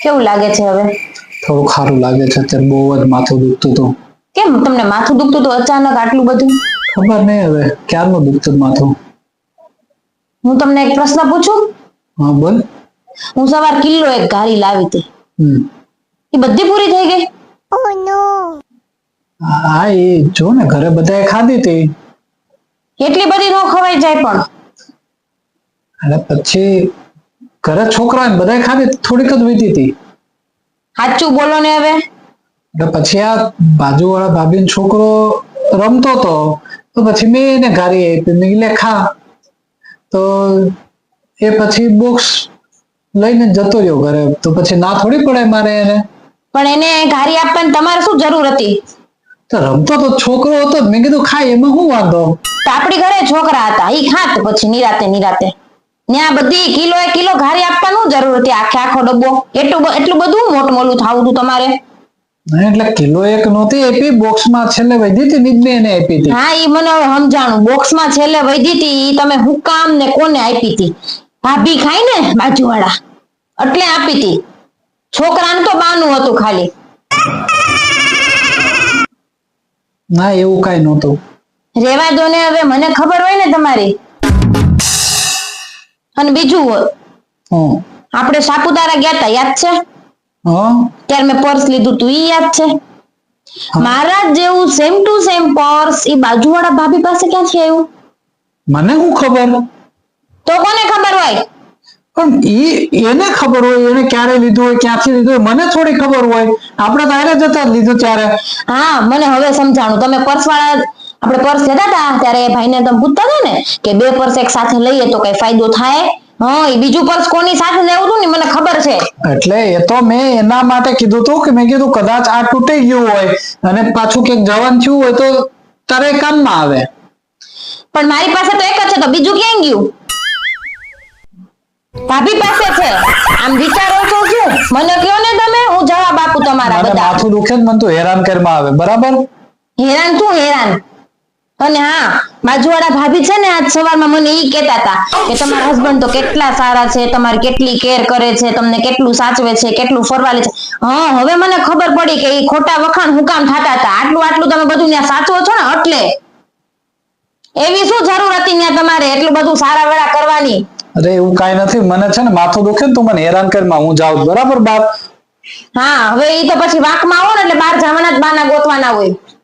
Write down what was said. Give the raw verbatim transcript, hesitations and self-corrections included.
કેવું લાગે છે હવે? થોડું ખારું લાગે છે, અત્યારે બહુ જ માથું દુખતું હતું. કેમ તમને માથું દુખતું હતું અચાનક આટલું બધું? ખબર નહીં હવે ક્યારનું દુખતું માથું. હું તમને એક પ્રશ્ન પૂછું? હા બોલ. હું સવાર કિલો એક ઘારી લાવી હતી, હમ એ બધી પૂરી થઈ ગઈ? Oh no. હા એ જો ને ઘરે બધાએ ખાધી હતી. એટલી બધી ન ખવાઈ જાય પણ. અને પછી ઘરે છોકરા બધાએ ખાધી, થોડીક જ વીતી હતી. સાચું બોલો ને હવે. એટલે પછી આ બાજુવાળા ભાભીનો છોકરો રમતો હતો, તો પછી મેં એને ઘારી આપી, મેં કીધું લે ખા. તો એ પછી બોક્સ લઈને જતો રહ્યો ઘરે, તો પછી ના થોડી પડે મારે એને. પણ એને ઘારી આપવાની તમારે શું જરૂર હતી? તો રમતો તો છોકરો હતો, મેં કીધું ખાય, એમાં શું વાંધો. તો આપણી ઘરે છોકરા હતા, ઈ ખાત પછી નિરાતે નિરાતે. ત્યાં બધી કિલો એ કિલો ઘારી આપવાનું જરૂર હતી, આખે આખો ડબ્બો એટલું એટલું બધું મોટું મોલું થાવું હતું તમારે. એટલે કિલો એક નહોતી આપી, બોક્સમાં છેલ્લે વધી હતી ને મેં એને આપી હતી. હા ઈ મને હવે સમજાણું, બોક્સમાં છેલ્લે વધી હતી ઈ તમે હું કામ ને કોને આપી હતી? ભાભી ખાય ને બાજુવાળા એટલે આપી હતી. છોકરાને તો બાનું હતું ખાલી. ના એવું કઈ નહોતું. રેવા દો ને હવે, મને ખબર હોય ને તમારી. અને બીજું હમ આપણે સાપુતારા ગયા તા, યાદ છે? હા ત્યારે મેં પર્સ લીધું તું, ઈ યાદ છે? મારા જેવું સેમ ટુ સેમ પર્સ ઈ બાજુવાળા ભાભી પાસે ક્યાંથી આવ્યું? મને શું ખબર? તો કોને ખબર હોય? પણ ઈ એને ખબર હોય, એને ક્યારે લીધું હોય, ક્યાંથી લીધું હોય, મને થોડી ખબર હોય. આપણે તો હારે જતા જ લીધું ત્યારે. હા મને હવે સમજાણું. તમે પર્સ વાળા આપણે પર્સ લેતા હતા ત્યારે એ ભાઈને તમે પૂછતા હતા ને કે બે પર્સ એક સાથે લઈએ તો કઈ ફાયદો થાય? હા એ બીજું પર્સ કોની સાથે લેવું હતું ને મને ખબર છે. એટલે એ તો મેં એના માટે કીધું હતું કે મેં કીધું કદાચ આ તૂટી ગયું હોય અને પાછું ક્યાંક જવાનું થયું હોય તો તારે કામમાં આવે. પણ મારી પાસે તો એક જ છે, તો બીજું ક્યાં ગયું? ભાભી પાસે છે. આમ વિચારો છો શું? મને કયો ને તમે, હું જવાબ આપું તમારા મને બધા. માથું દુખે મને તો હેરાન કરવામાં આવે, બરાબર? હેરાન શું હેરાન? અને હા બાજુવાળા ભાભી છે ને આજ સવારમાં મને ઈ કહેતા હતા કે તમારા હસબન્ડ તો કેટલા સારા છે, તમારી કેટલી કેર કરે છે, તમને કેટલું સાચવે છે, કેટલું ફરવા લે છે. હા હવે મને ખબર પડી કે ઈ ખોટા વખાણ હું કામ થતા હતા. આટલું આટલું તમે બધું ત્યાં સાચવો છો ને એટલે. એવી શું જરૂર હતી ત્યાં તમારે એટલું બધું સારા વેળા કરવાની? અરે એવું કઈ નથી, મને છે ને માથું દુખે ને તું મને હેરાન કરવામાં, હું જાઉં બરાબર બાપ. હા હવે ઈ તો પછી વાંકમાં આવો ને એટલે બહાર જવાના જ બાના ગોતવાના હોય.